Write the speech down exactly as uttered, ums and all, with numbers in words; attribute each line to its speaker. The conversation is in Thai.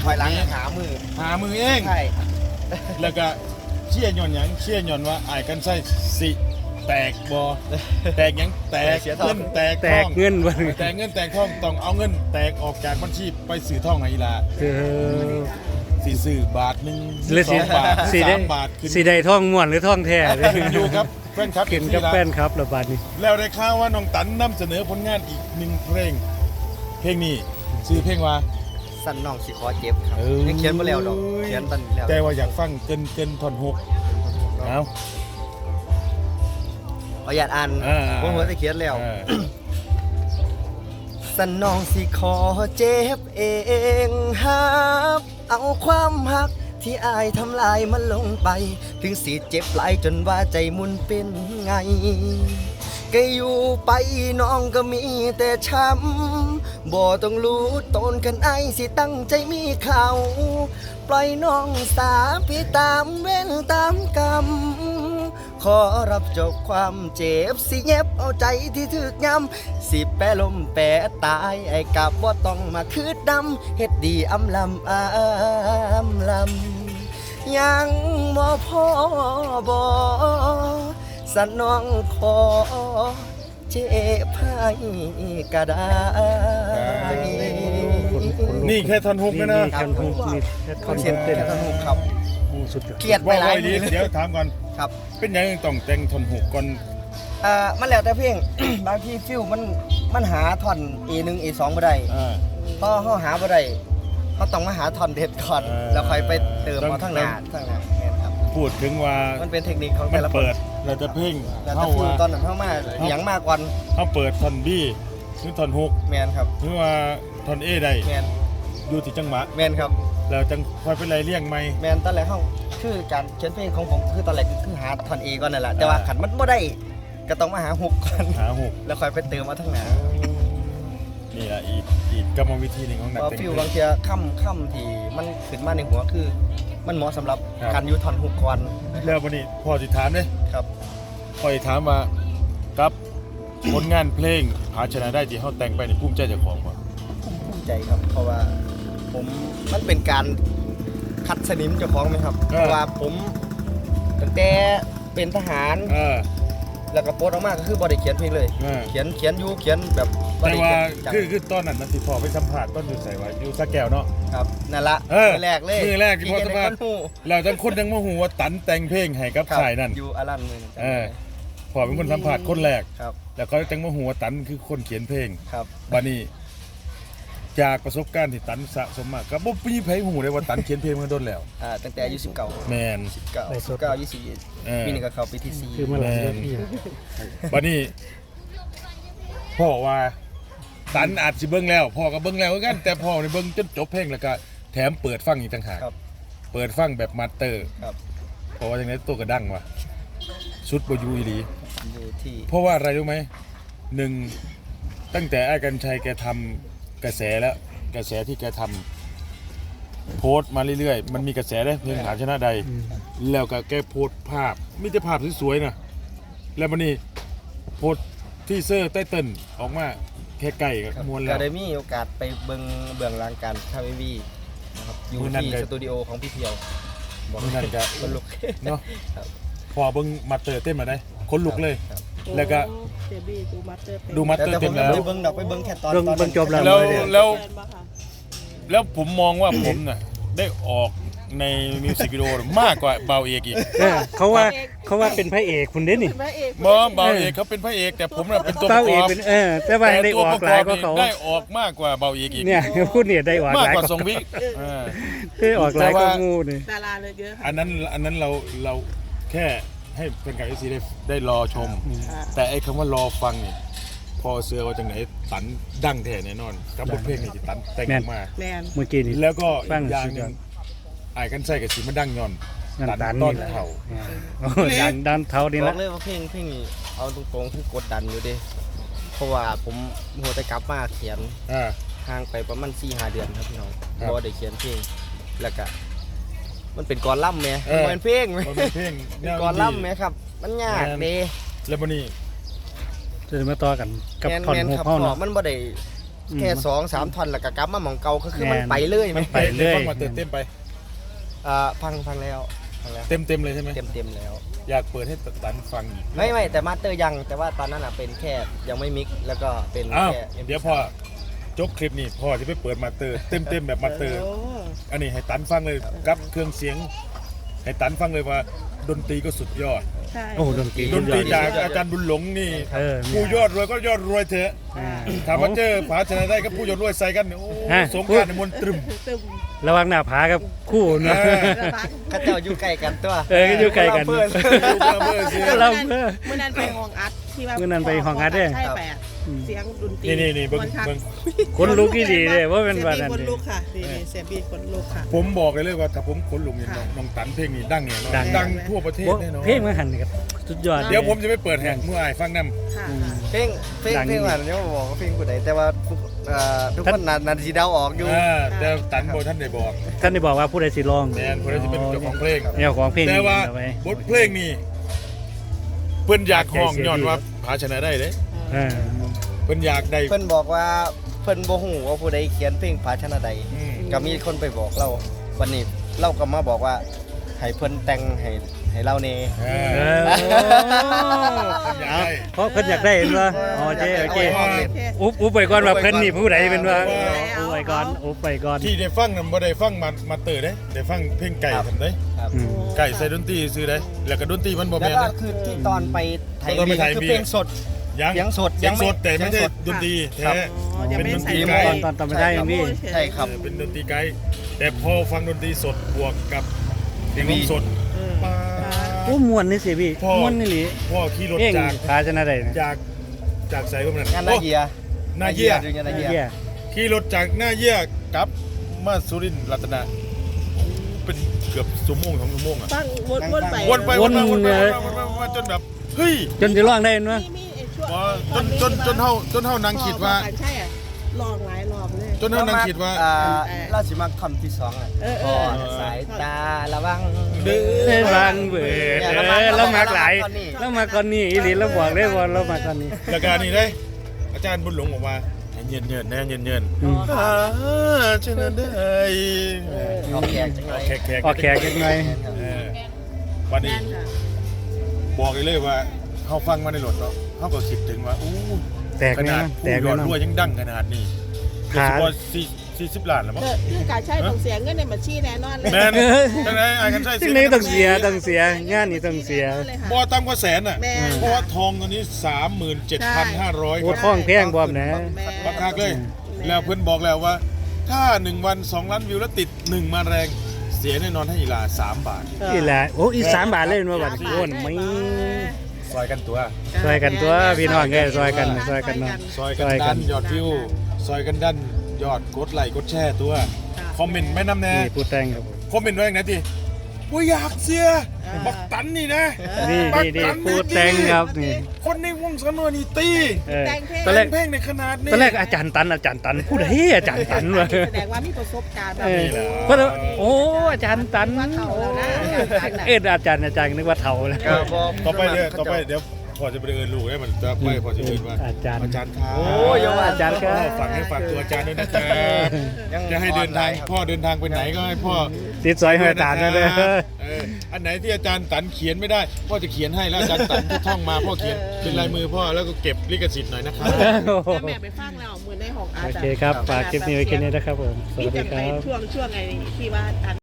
Speaker 1: อยหลังหามือ
Speaker 2: หามือเอง
Speaker 1: ใช่
Speaker 2: แล้วก็เชี่ยย่อนหยังเชี่ยย่อนว่าอ้ายกันใส่สิแตกบ่แตกหยังแตกเงินแตก
Speaker 3: แต
Speaker 2: ทอก ง
Speaker 3: เงินบ่
Speaker 2: แตกเงินแตกทองต้องเอาเงินแตกออกจากบัญชีไปซื้อทองให้อีหลา
Speaker 3: เออ
Speaker 2: สิซื้อบาทหนึง
Speaker 3: หรือ
Speaker 2: ส
Speaker 3: สิ
Speaker 2: องบาท
Speaker 3: สิได้
Speaker 2: สามบาทขึ้น
Speaker 3: สิได้ท่องม่วนหรือท่องแท้
Speaker 2: ขึ้นอยู่ครับแฟนคลับ
Speaker 3: กินกับแฟนครับระบาดนี้
Speaker 2: แล้วได้ข่าวว่าน้องตันนำเสนอผลงานอีกหนึ่งเพลงเพลงนี้ชื่อเพลงว่า
Speaker 1: สั่นน้องสิขอเจ็บครับยังเขียนบ่แล้วดอกเขียนตันแล้ว
Speaker 2: แต่ว่าอยากฟังเกินเกินท่อนหกเอา
Speaker 1: เอาอยากอ่าน
Speaker 2: อ่า
Speaker 1: ผมหัวจะเขียนแล้ว
Speaker 2: เออ
Speaker 1: สั่นน้องสิขอเจ็บเองฮับเอาความหักที่อายทำลายมันลงไป ถึงสิเจ็บหลายจนว่าใจมุนเป็นไง ก็อยู่ไปน้องก็มีแต่ช้ำบ่ต้องรู้ตนกันไอสิตั้งใจมีเขาปล่อยน้องสาพี่ตามเว้นตามกรรมขอรับจบความเจ็บสิเย็บเอาใจที่ถึกย้ำสิแปะลมแปะตายไอ้กับว่าต้องมาคืดดำเฮ็ดดีอำลำอำลำยังบ่พอบ่สนองขอเจ็บให้ก็ได้
Speaker 2: นี่แค่ท่อนหกนะนะ
Speaker 3: นี่แค่ท่อนหกนี่แค่ท่อน
Speaker 1: เขียน
Speaker 3: เต้น
Speaker 1: สนุกครับ
Speaker 3: โอ้สุดยอด
Speaker 1: เกลียดไป
Speaker 2: ว่า
Speaker 1: หลาย
Speaker 2: ไว้ดี
Speaker 1: มือ
Speaker 2: เดี๋ยวถามก่อน
Speaker 1: ครับ
Speaker 2: เป็นยังต้องแต่งท่อนหกก่อน
Speaker 1: อ่ามันแล้วแต่เพลง บางทีฟิลมันมันหาท่อน เอ หนึ่ง เอ สองบ่ได้
Speaker 2: อ่า
Speaker 1: พอเฮาหาบ่ได้เฮาต้องมาหาท่อนเด็ดก่อน
Speaker 2: เออ
Speaker 1: แล้วค่อยไปเติม
Speaker 2: ต้อง
Speaker 1: เอาทั้งหน้าทั้งหน้าแม่นครับ
Speaker 2: พูดถึงว่า
Speaker 1: มันเป็นเทคนิคของ
Speaker 2: มั
Speaker 1: แต่
Speaker 2: น
Speaker 1: ละคน
Speaker 2: เปิดเราจะเพ่ง
Speaker 1: แล้วแต่
Speaker 2: เข้า
Speaker 1: ฟิล
Speaker 2: ว่า
Speaker 1: ตอนนั้นเฮามาเสียงมากกว่า
Speaker 2: เขาเปิดท่อนบี้หรือท่อนหก
Speaker 1: แม่นครับ
Speaker 2: หรือว่าท่อนเอได้
Speaker 1: แม่น
Speaker 2: อยู่ที่จังหวะ
Speaker 1: แม่นครับ
Speaker 2: แล้วจังค่อยเป็นไรเลี่ยงไหม
Speaker 1: แม่นตอนแรกเฮาคือการเขียนเพลงของผมคือตอนแรกคือหาท่อน เอ ก่อนนั่นแหละแต่ว่า
Speaker 2: อ่า
Speaker 1: ขันมันบ่ได้ก็ต้องมาหาฮุกก่อน
Speaker 2: หาหก
Speaker 1: แล้วค่อยไปเติมเอาทั้งหน้า
Speaker 2: นี่แหละอีกอีกกรรมวิธีหนึ่งของนัก
Speaker 1: พอ
Speaker 2: แต่ง
Speaker 1: ฟิล
Speaker 2: เพล
Speaker 1: บาง
Speaker 2: ง
Speaker 1: เทีค่ำค่ำที่มันขึ้นมาในหัวคือ มันเหมาะสำหรับ
Speaker 2: ครับ
Speaker 1: การอยูท่อนฮุกก่อน
Speaker 2: แล้ววันนี้พอจิถามเลย
Speaker 1: ครับ
Speaker 2: พอจิถามว่ากับผลงานเพลงหาชนะได้ที่เขาแต่งไปในภูมิใจเจ้าของป่ะ
Speaker 1: ภูมิใจครับ เพราะว่าผมมันเป็นการคัดสนิมเจ้าของไหมครับ เพราะว่าผมตั้งแต่เป็นทหาร
Speaker 2: เออ
Speaker 1: แล้วก็โพสต์ออกมาก็คือบอได้เขียนเพลงเลย
Speaker 2: เออ
Speaker 1: เขียนเขียนอยูเขียนแบบบ่
Speaker 2: แต่
Speaker 1: ได้
Speaker 2: ว่า
Speaker 1: เขียนจัง
Speaker 2: คือคือตอนนั้นมันสิพอไปสัมผัสต้นอยู่ใส่ไว้อยู่สะแก้วเนาะ
Speaker 1: ครับนั่นละ
Speaker 2: เออ
Speaker 1: มือแรกเลย
Speaker 2: มือแรกที่พอสัมภาษณ์
Speaker 1: ที่เห็นในคนหู
Speaker 2: แล้วจังคนยังมาหูว่าตันแต่งเพลงให้กับ
Speaker 1: ครับ
Speaker 2: ชายนั่น
Speaker 1: อยู่อารันมือ
Speaker 2: เออ พอเป็นคนสัมผัสคนแรก
Speaker 1: ครับ
Speaker 2: แล้วเขาจังมาหูว่าตันคือคนเขียนเพลง
Speaker 1: ครับ
Speaker 2: บัดนี้จากประสบการณ์ที่ตันสะสมมาก็บ่มีไผหูเลยว่าตันเขียนเพลงมาโดนแล้ว
Speaker 1: อ่าตั้งแต่อายุสิบเก้า
Speaker 2: แมน
Speaker 1: สิบเก้า
Speaker 3: ไปส
Speaker 1: สิ
Speaker 3: ด
Speaker 1: บเก้ายี่สิบ
Speaker 2: เออ
Speaker 1: ปีนี้ก็เข้าปีที่สี่
Speaker 3: คือมาหลังเวที
Speaker 2: บัดนี้พ่อว่าตันอาจสิเบิ่งแล้วพ่อก็เบิ่งแล้วคือกัน แต่พ่อนี่เบิ่งจนจบเพลงแล้วก็แถมเปิดฟังอีกต่างหาก
Speaker 1: ครับ
Speaker 2: เปิดฟังแบบมาสเตอร์
Speaker 1: ครับ
Speaker 2: เพราะว่าจังได๋ตัวก็ดังว่ะสุดบ่อยู่อีหลี
Speaker 1: อยู่ที่
Speaker 2: เพราะว่าอะไรรู้ไหมหนึ่งตั้งแต่ไอ้กัญชัยแกทำกระแสแล้วกระแสที่แกทำโพสต์มาเรื่อยๆมันมีกระแสเลยเพลงหาชนะใด
Speaker 3: อืม
Speaker 2: แล้วก็แกโพสต์ภาพมีแต่ภาพสวยๆนะแล้วมันนี่โพสต์ที่เซอร์ใต้เต้นออกมาแค่ใกล้กับ
Speaker 1: ครับ
Speaker 2: มวล
Speaker 1: ก็
Speaker 2: แล้ว
Speaker 1: ได้มีโอกาสไปเบิ่งเบื้องหลังการทำเอ็มวีนะครับอยู่
Speaker 2: มื้อนั้น
Speaker 1: ที่
Speaker 2: ก็
Speaker 1: สตูดิโอของพี่เพียวบอก
Speaker 2: มื้อนั้นก็
Speaker 1: คนลุก
Speaker 2: เนาะ
Speaker 1: ครับ
Speaker 2: พอเบิ่งมาเตอร์เต้นมาได้คนลุกเลย
Speaker 1: ครับ
Speaker 2: แล้วก็
Speaker 4: เจบี้ดูมัตเตอร์เป็น
Speaker 2: ดูมาสเตอ
Speaker 1: แต่
Speaker 2: ร์
Speaker 1: ผ
Speaker 2: เต็
Speaker 1: ม
Speaker 2: ม
Speaker 1: ยัง
Speaker 2: แล้ว
Speaker 1: ไม่ได้เบิ่งดอกไปเบิ่งแค่ตอน
Speaker 3: เบิ่ง
Speaker 1: ตอน
Speaker 3: เบิ่งจบแล้ว
Speaker 2: แล้ว แล้ว
Speaker 4: แฟนปะคะ
Speaker 2: แล้วผมมองว่าผมน่ะได้ออกในมิวสิกวิดีโอมากกว่าเบาเอกอีก
Speaker 3: เออเขาว่าเขาว่าเป็นพระเอกคุณเด้นี่
Speaker 4: เป็นพระเอก
Speaker 2: บอเบาเอกเขาเป็นพระเอกแต่ผมน่ะเป็นตัวป
Speaker 3: เต้า
Speaker 2: ระก
Speaker 3: เอ
Speaker 2: อก บ
Speaker 3: เป็นเออแต่ว่าได้ออกหลายกว่าเขา
Speaker 2: ได้ออกมากกว่าเบาเอกอีก
Speaker 3: เนี่ยพูดเนี่ยได้ออก
Speaker 2: มาก
Speaker 3: หลาย
Speaker 2: ก
Speaker 3: ก
Speaker 2: ว่า
Speaker 3: ว่า
Speaker 2: ทรงวิกเออ
Speaker 3: ได้ออกหลายกว่างูนี่
Speaker 4: ดาราเลยเยอะค่ะ
Speaker 2: อันนั้นอันนั้นเราเราแค่ให้เป็นการเอซีได้ได้รอชม
Speaker 4: อ่า
Speaker 2: แต่ไอ้คำว่ารอฟังนี่พอเสือว่าจังไหนตันดังแท้แน่นอนกับบทเพลงนี่ที่ตันแต่งออกมา
Speaker 4: แมน
Speaker 3: เมื่อกี้นี่
Speaker 2: แล้วก็
Speaker 3: ฟั
Speaker 2: อี
Speaker 3: ง
Speaker 2: กอย่าง
Speaker 3: สุด
Speaker 2: ห
Speaker 3: ย
Speaker 2: นึ
Speaker 3: อด
Speaker 2: งไอ้กันใส่กับสีมันดังย้อน
Speaker 3: นั่น
Speaker 2: ตัน
Speaker 3: ตัน
Speaker 2: ต้น
Speaker 3: นี่แหละ
Speaker 2: เข่า
Speaker 3: โอ้ดันดันเท้านี่
Speaker 1: บ
Speaker 3: ละ
Speaker 1: อกเลยว่าเพลงเพลงนี้เอาตรงๆคือกดดันอยู่เดิเพราะว่าผมหัวแต่กลับมาเขียน
Speaker 2: อ่า
Speaker 1: ห่างไปประมาณสี่ห้าเดือนครับพี่น้อง
Speaker 2: ครับ
Speaker 1: บ่ได้เขียนเพลงแล้วก็มันเป็นกลล่ำแหม
Speaker 2: เออ
Speaker 1: มันเป็นเพลงไหม
Speaker 2: มันเป็นเพลง
Speaker 1: เป็นกลล่ำไหมครับ มันยากเด้
Speaker 2: แล้ววันนี้
Speaker 3: จะมาต่อกันกับ
Speaker 1: แมน
Speaker 3: ท่อน
Speaker 1: แมน
Speaker 3: หก
Speaker 1: ครับ
Speaker 3: เฮา
Speaker 1: พ่อ
Speaker 3: เนาะ
Speaker 1: มันบ่ได้แค่สองสามท่อนแล้วก็กลับมาหม่องเก่าก็คือมัน
Speaker 3: แม่น
Speaker 1: ไปเลย
Speaker 3: มันไปเรื่อย
Speaker 2: ฟังมาเติมเต็มไป
Speaker 1: อ่าฟังฟังแล้วฟังแล้ว
Speaker 2: เต็มเต็มเลยใช่ไหม
Speaker 1: เต็มเต็มแล้ว
Speaker 2: อยากเปิดให้ตันฟังอีก
Speaker 1: ไม่ไม่แต่มาสเตอร์ยังแต่ว่าตอนนั้นอ่ะเป็นแค่ยังไม่มิกแล้วก็เป็น
Speaker 2: อ้าว
Speaker 1: แค่ เอ็ม
Speaker 2: เดี๋ยวพ่อจบคลิปนี้พ่อจะไปเปิดมาเตอร์เต็มเต็มแบบมาเตอร์
Speaker 4: โอ้
Speaker 2: อันนี้ให้ตันฟังเลยกับเครื่องเสียง ให้ตันฟังเลยว่าดนตรีก็สุดยอด
Speaker 4: ใช่
Speaker 3: โอ้ดนตรี
Speaker 2: ดนตรีจากอาจารย์บุญหลงนี่
Speaker 3: เออ
Speaker 2: ผู้ยอดรวยก็ยอดรวยเถอะ
Speaker 3: อ่า
Speaker 2: ถามว่าเจอผาชนะได้กับผู้ยอดรวยใส่กันเนี่ยโอ้
Speaker 3: ฮะ
Speaker 2: สงกรารในมนต์ตรึม
Speaker 4: ตึม
Speaker 3: ระวังหน้าผากับคู่เนาะ
Speaker 2: เออ
Speaker 4: กระพัก
Speaker 1: เข้าเจ้าอยู่ใกล้กันตัว
Speaker 3: เออก็อยู่ใกล้กัน
Speaker 1: เพื่อน
Speaker 2: ดูเบอร์เบอร์เสีย
Speaker 3: ก็เราเพื่อ
Speaker 4: เมื่อนั้นไปห้องอัดที่ว่า
Speaker 3: เมื่อนั้นไปห้องอัดเด้
Speaker 4: ใช่แปดเสียงดนตรี
Speaker 2: นี่นี่นี่เบิ้ง
Speaker 4: มัคัก
Speaker 2: เบิ้ง
Speaker 3: คนลุกที่ดีเลยว่าเป็นวัน
Speaker 4: เสีย
Speaker 3: นั้น
Speaker 4: บีคน
Speaker 3: ดิ
Speaker 4: ลุกค่ะนี่นี่เสียบีคนลุกค่ะ
Speaker 2: ผมบอกเลยเลยว่าถ้าผมขนลุงเนี่ยน้องน้องตันเพลงนี้ดังเนี่ยเนาะ
Speaker 3: ดัง
Speaker 2: ดังทั่วประเทศ
Speaker 3: โอ้
Speaker 2: แน่นอน
Speaker 3: เพลงมันหันนี่ครับสุดยอด
Speaker 2: เดี๋ยวผมจะไปเปิดแหกเมื่อไอ้ฟังน้
Speaker 4: ค่ะ
Speaker 3: อืม
Speaker 4: ค่ะ
Speaker 1: เพลงเพลง
Speaker 3: ดัง
Speaker 1: เพลงว่าเนี่ยบอกว่าเพลงผู้ใดแต่ว่าทุกเอ่อทุกคนนานาทีเดาออกอยู่
Speaker 2: ำอ่าแต่ตันโบท่านได้บอก
Speaker 3: ท่านได้บอกว่าผู้ใดสิร้อง
Speaker 2: แมนคนที่เป็นเจ้าของเพลง
Speaker 3: เจ้าของเพลง
Speaker 2: แต่ว่า
Speaker 3: เอาไว้
Speaker 2: บทเพลงนี้เพิ่นอยากห้องย้อนว่าผาชนะได้เด้
Speaker 3: เออ
Speaker 2: เพิ่นอยากได้
Speaker 1: เพิ่นบอกว่าเพิ่นบ่ฮู้ว่าผู้ใดเขียนเพลงภาชนะใด
Speaker 2: อืม
Speaker 1: ก็มีคนไปบอกเราวันนี้เราก็มาบอกว่าให้เพิ่นแต่งให้ให้เราแน่
Speaker 2: เอ
Speaker 3: เอ
Speaker 2: อ
Speaker 3: อ
Speaker 2: อยากได้
Speaker 3: เพราะเพิ่นอยากได้เห็นว่าอ๋อเจ๊โอเค
Speaker 2: เอาไว้
Speaker 3: อุบอุบไปก่อนว่าเพิ่นนี่ผู้ใดเป็นว่าอุบไปก่อนอุบไปก่อน
Speaker 2: ที่ได้ฟังนั้นบ่ได้ฟังมามาเตอร์เด้ได้ฟังเพลงไก่ทำได้
Speaker 1: ครับ
Speaker 3: อืม
Speaker 2: ไก่ใส่ดนตรีซื้อได้แล้วก็ดนตรีมันบ่
Speaker 1: แล้ว
Speaker 2: แม่น
Speaker 1: ก็
Speaker 2: นะ
Speaker 1: คือที่ตอนไปไทย
Speaker 2: ตอนไป
Speaker 1: มี
Speaker 2: ไทย
Speaker 1: คือ
Speaker 2: มี
Speaker 1: เพลงสด
Speaker 2: ยัง
Speaker 1: เสียงสด
Speaker 2: เสียงสด
Speaker 1: ยังไม่
Speaker 2: แต่ไม่ใช่
Speaker 1: เสียงสด
Speaker 2: ดนตรี
Speaker 1: ครั
Speaker 2: แท้
Speaker 1: บ
Speaker 4: อ๋อยังไม่ได้ใส่
Speaker 2: เป็นดนตรี
Speaker 4: ไ
Speaker 2: ไกด์
Speaker 3: ตอนตอนตอนไม่ได้ยังพี่
Speaker 1: ใช่ครับ
Speaker 2: เออเป็นดนตรีไกด์แต่พอฟังดนตรีสดบวกกับเพลงร้องสด
Speaker 4: เออ
Speaker 2: ปา
Speaker 3: โอ้ม่วนนี่สิพี่
Speaker 2: พ่อ
Speaker 3: ม่วนนี่หลี
Speaker 2: พ่อขี่รถ
Speaker 3: เพลง
Speaker 2: จาก
Speaker 3: พาชนะได้นะ
Speaker 2: จากจากไสว่ามัน
Speaker 1: งานนาเยีย
Speaker 2: นาเยีย
Speaker 1: อยู่งานนาเยีย
Speaker 3: เหี้ย
Speaker 2: ขี่รถจากหน้าเยี่ยกลับมาสุรินทร์รัตนะเป็นเกือบชั่วโมงสองชั่วโมงอ่ะ
Speaker 4: ฟังวนวนไป
Speaker 2: วนไปวนมาวนมาวนมาวนมาวนมาจนแบบเฮ้ย
Speaker 3: จนจะร้องได้เนาะ
Speaker 4: มีมีไอ้ช่วง
Speaker 2: พอจนจนจนเฮาจนเฮานางคิดว่า
Speaker 4: พอกันใช่อ่ะลองหลายรอบเลย
Speaker 2: จนเฮานางคิดว่า
Speaker 1: อ่เราสิมาคำที่สองอ่ะ
Speaker 4: เออเอ
Speaker 1: พ่อ
Speaker 4: อ
Speaker 1: สายตาระวัง
Speaker 2: เด้อ
Speaker 3: เอ้ยบางเบิดเออแล้วมาหลายแล้วมาก่อนนี้อีหลีแล้วบอกได้ว่าเรามาก่อนนี้
Speaker 2: แล้วการนี้ได้ อาจารย์บุญหลงบอกว่าเย็นเย็นๆนะเย็นเย็น
Speaker 3: อืม
Speaker 2: ๆอ่าชนะได้
Speaker 1: ออกแขกจังเล
Speaker 2: เอา
Speaker 1: ย
Speaker 2: แขกแขก
Speaker 3: ออกแขกยังไง
Speaker 2: เออวันนี้
Speaker 4: แม่นค่ะ
Speaker 2: บอกเลยเลยว่าเขาฟังมาในรถเนาะเขาก็คิดถึงว่าอู้
Speaker 3: แตก
Speaker 2: ข
Speaker 3: แน่
Speaker 2: นาด
Speaker 3: นอนแต
Speaker 2: ผู้
Speaker 3: ก
Speaker 2: ย
Speaker 3: แน่
Speaker 2: อด
Speaker 3: นอน
Speaker 2: รวยยังดังขนาดนี้
Speaker 3: ขา
Speaker 2: คือว่าสี่สี่สิบล้านแล้วมั้ง
Speaker 4: เออคือการใช้ของเสียเงินในบัญชีแน่นอนเลย
Speaker 2: แมนจังไรไอ้กันใช่
Speaker 3: ซึ่งนี้ต้องเสียต้องเสียงานนี้ต้องเสีย
Speaker 2: บ่ต่ำกว่าแสนอ่ะ
Speaker 4: แม่น
Speaker 2: เพราะว่าทองตอนนี้สามหมื่นเจ็ดพันห้าร้อย
Speaker 3: โอ้ท้องแพงบ่มนะ
Speaker 2: ราคาเลย แล้วเพื่อนบอกแล้วว่า ถ้าหนึ่งวันสองล้านวิวแล้วติดหนึ่งมาแรงเสียแน่นอนให้อีลาสามบาท
Speaker 3: นี่แหละโอ้อีสามบาทเลยมาบัดโอ้นไม่
Speaker 2: ซอยกันตัว
Speaker 3: ซอยกันตัวพี่น้องเอ้ยซอยกันซอยกันเนาะ
Speaker 2: ซอยกันดันยอดวิว ซอยกันดันยอดกดไลค์กดแชร์ตัว คอมเมนต์ไม่นำแน่
Speaker 3: นี่ผู้แต่งครับผม
Speaker 2: คอมเมนต์ไว้อย่างไหนทีว่าอยากเสียบักตันนี่นะ
Speaker 3: นี่นี่นี่ผู้แต่งครับนี่
Speaker 2: คนในวงสนวนนี่ตี
Speaker 3: เออ
Speaker 4: แต่งเพลง
Speaker 3: ตอนแรก
Speaker 2: เพลงในขนาดนี้
Speaker 3: ตอนแรกอาจารย์ตันอาจารย์ตันพูดเฮ้ยอาจารย์ตันวะ
Speaker 4: แสดงว่ามีประสบการณ์แบบ
Speaker 3: เออ
Speaker 4: นี้
Speaker 3: เพราะว่าโอ้อาจารย์ตัน
Speaker 4: ว่าเฒ่าแล้วนะอาจารย์น่ะ
Speaker 3: เอ็ดอาจารย์อาจารย์นึกว่าเถ่าแล้ว
Speaker 1: ก็บอก
Speaker 2: ต่อไปเดี๋ยวต่อไปเดี๋ยวพอจะไปเดินลูกให้มันจะไปพอจะเดินว่า
Speaker 3: อาจารย์
Speaker 2: อาจารย์ครับ
Speaker 1: โอ้ยอย่าว่า
Speaker 3: อาจารย์ครับ
Speaker 2: ฝากให้ฝากตัวอาจารย์ด้วยนะครับ
Speaker 1: ยัง
Speaker 2: จะให้เดินทาง
Speaker 1: ครับ
Speaker 2: พ่อเดินทางไปไหนก็ให้พ่อ
Speaker 3: ติดซอยให้อาจารย์นั่นเลย
Speaker 2: เอออันไหนที่อาจารย์ตันเขียนไม่ได้พ่อจะเขียนให้แล้วอาจารย์ตันที่ท่องมาพ่อเขียนเป็นลายมือพ่อแล้วก็เก็บลิขสิทธิ์หน่อยนะครับ
Speaker 4: แต่แม่ไปฟังแล้วเหมือนในห้องอา
Speaker 3: โอ
Speaker 4: จารย์
Speaker 3: เคครับฝากคลิปนี้ไว้แค่นี้นะครับผม สวัสดีค
Speaker 4: มีแต่
Speaker 3: รับ
Speaker 4: ไปช่วงช่วงไอ้ที่ว่า